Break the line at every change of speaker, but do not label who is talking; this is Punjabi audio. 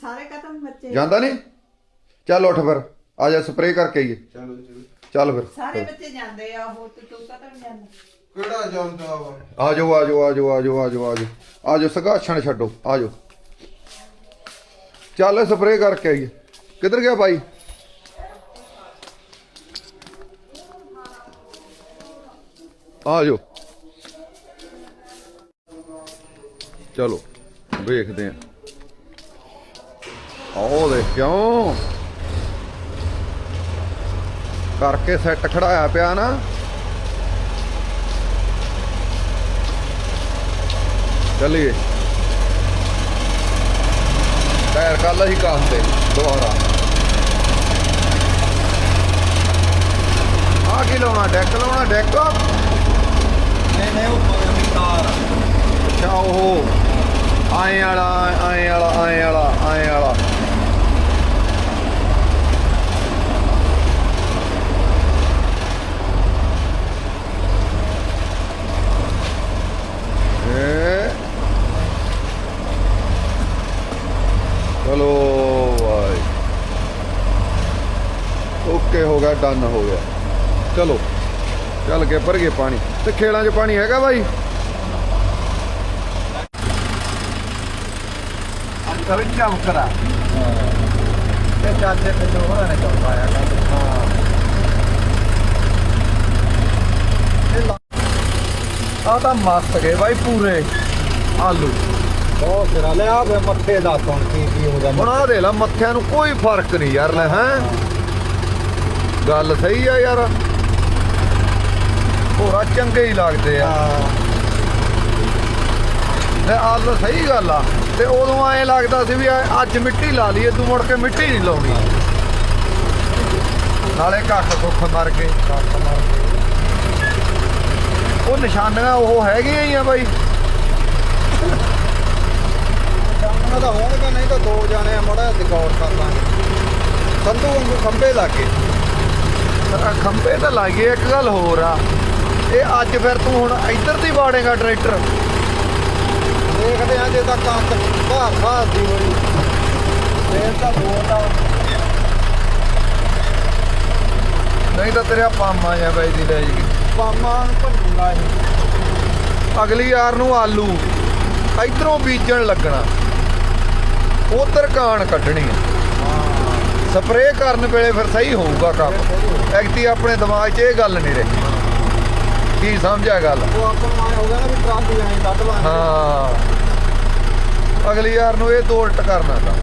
ਸਾਰੇ ਖਤਮ ਬੱਚੇ
ਜਾਂਦਾ ਨਹੀਂ? ਚੱਲ ਉੱਠ ਫਿਰ ਆ ਜਾ ਸਪਰੇਅ ਕਰਕੇ ਆਈਏ।
ਚਲੋ
ਚੱਲ ਫਿਰ
ਸਾਰੇ ਬੱਚੇ ਜਾਂਦੇ ਆ ਉਹ ਤੇ ਤੂੰ ਕਦੋਂ ਜਾਂਦਾ?
ਕਿਹੜਾ ਜਾਂਦਾ ਵਾ?
ਆ ਜਾਓ ਆ ਜਾਓ ਆ ਜਾਓ ਆ ਜਾਓ ਆ ਜਾਓ ਆ ਜਾਓ ਆ ਜਾਓ ਸਗਾਛਣ ਛੱਡੋ ਆ ਜਾਓ। ਚੱਲ ਸਪਰੇਅ ਕਰਕੇ ਆਈਏ। ਕਿੱਧਰ ਗਿਆ ਬਾਈ? ਆ ਜਾਓ ਚਲੋ ਵੇਖਦੇ ਆ। ਆਓ ਦੇਖ ਕਿਉਂ ਕਰਕੇ ਸੈੱਟ ਖੜਾਇਆ ਪਿਆ ਨਾ। ਚੱਲੀਏ ਟਾਇਰ ਕੱਲ ਹੀ ਕਾਸਤੇ ਦੁਬਾਰਾ। ਆ ਕੀ ਲਾਉਣਾ? ਡੈਕ ਲਾਉਣਾ? ਡੈਕ
ਨਹੀਂ ਉਹ ਤਾਰ
ਅੱਛਾ ਉਹ ਆਏ ਵਾਲਾ ਆਏ ਵਾਲਾ ਆਏ ਵਾਲਾ ਆਏ ਵਾਲਾ। ਚਲੋ ਭਾਈ ਓਕੇ ਹੋ ਗਿਆ, ਡਨ ਹੋ ਗਿਆ। ਚਲੋ ਚੱਲ ਕੇ ਭਰ ਗਏ ਪਾਣੀ ਤੇ ਖੇਲਾਂ 'ਚ ਪਾਣੀ ਹੈਗਾ ਬਾਈ?
ਕਵਿੰ ਕੰਮ ਕਰਾ ਤੇ ਚਾਚੇ ਤੇ ਹੋਣਾ ਨੇ ਕੰਮ ਪਾਇਆ
ਆ ਤਾਂ ਮਸਤ ਗਏ ਬਾਈ ਪੂਰੇ ਆਲੂ।
ਬਹੁਤ ਸਿਰਾ ਲੈ ਆ ਮੱਥੇ ਦਾ ਹੁਣ ਕੀ ਹੋ ਗਿਆ।
ਹੁਣ ਆ ਦੇ ਲਾ ਮੱਥਿਆਂ ਨੂੰ ਕੋਈ ਫਰਕ ਨਹੀਂ ਯਾਰ। ਲੈ ਹੈਂ ਗੱਲ ਸਹੀ ਆ ਯਾਰ, ਹੋਰਾ ਚੰਗੇ ਹੀ ਲੱਗਦੇ ਆ। ਤੇ ਆਲੂ ਸਹੀ ਗੱਲ ਆ। ਤੇ ਉਦੋਂ ਐਂ ਲੱਗਦਾ ਸੀ ਵੀ ਅੱਜ ਮਿੱਟੀ ਲਾ ਲਈਏ, ਤੂੰ ਮੁੜ ਕੇ ਮਿੱਟੀ ਨਹੀਂ ਲਾਉਣੀ। ਨਾਲੇ ਕੱਖ ਕੁੱਖ ਮਰ ਗਏ। ਉਹ ਨਿਸ਼ਾਨੀਆਂ ਉਹ ਹੈਗੀਆਂ ਹੀ ਆ ਬਾਈ।
ਉਹਨਾਂ ਦਾ ਹੋਣਗਾ ਨਹੀਂ ਤਾਂ ਦੋ ਜਾਣੇ ਮੜਾ ਗੌਰ ਕਰ ਲਾਂਗੇ। ਸੰਧੂ ਵਾਂਗੂ ਖੰਭੇ ਲੱਗੇ।
ਖੰਭੇ ਤਾਂ ਲਾਈਏ। ਇੱਕ ਗੱਲ ਹੋਰ ਆ, ਇਹ ਅੱਜ ਫਿਰ ਤੂੰ ਹੁਣ ਇੱਧਰ ਦੀ ਵਾੜੇਗਾ ਟਰੈਕਟਰ?
ਦੇਖਦੇ ਆ ਜੇ ਤਾਂ ਕੰਕ ਭਾਰ ਦੀ ਹੋਈ ਫੇਰ ਤਾਂ ਬੋਲਦਾ
ਨਹੀਂ ਤਾਂ ਤੇਰੇ ਪਾਮਾ ਜਾਂ ਬਾਈ ਦੀ ਲੈ ਜੀ।
ਪਾਮਾ ਨੂੰ ਭੰਨੂਗਾ ਇਹ।
ਅਗਲੀ ਯਾਰ ਨੂੰ ਆਲੂ ਇਧਰੋਂ ਬੀਜਣ ਲੱਗਣਾ, ਉਧਰ ਕਾਣ ਕੱਢਣੀ ਆ। ਸਪਰੇਅ ਕਰਨ ਵੇਲੇ ਫਿਰ ਸਹੀ ਹੋਊਗਾ ਕੰਮ। ਐਕਟੀ ਆਪਣੇ ਦਿਮਾਗ 'ਚ ਇਹ ਗੱਲ ਨਹੀਂ ਰਹੀ। ਕੀ ਸਮਝਿਆ ਗੱਲ?
ਉਹ ਆਪਾਂ ਨੂੰ ਆਏ ਹੋ ਗਿਆ ਨਾ ਵੀ ਟਰਾਲੀ ਐਂ ਕੱਢ ਲਾਂਗੇ।
ਹਾਂ ਅਗਲੀ ਯਾਰ ਨੂੰ ਇਹ ਦੋ ਉਲਟ ਕਰਨਾ ਤਾਂ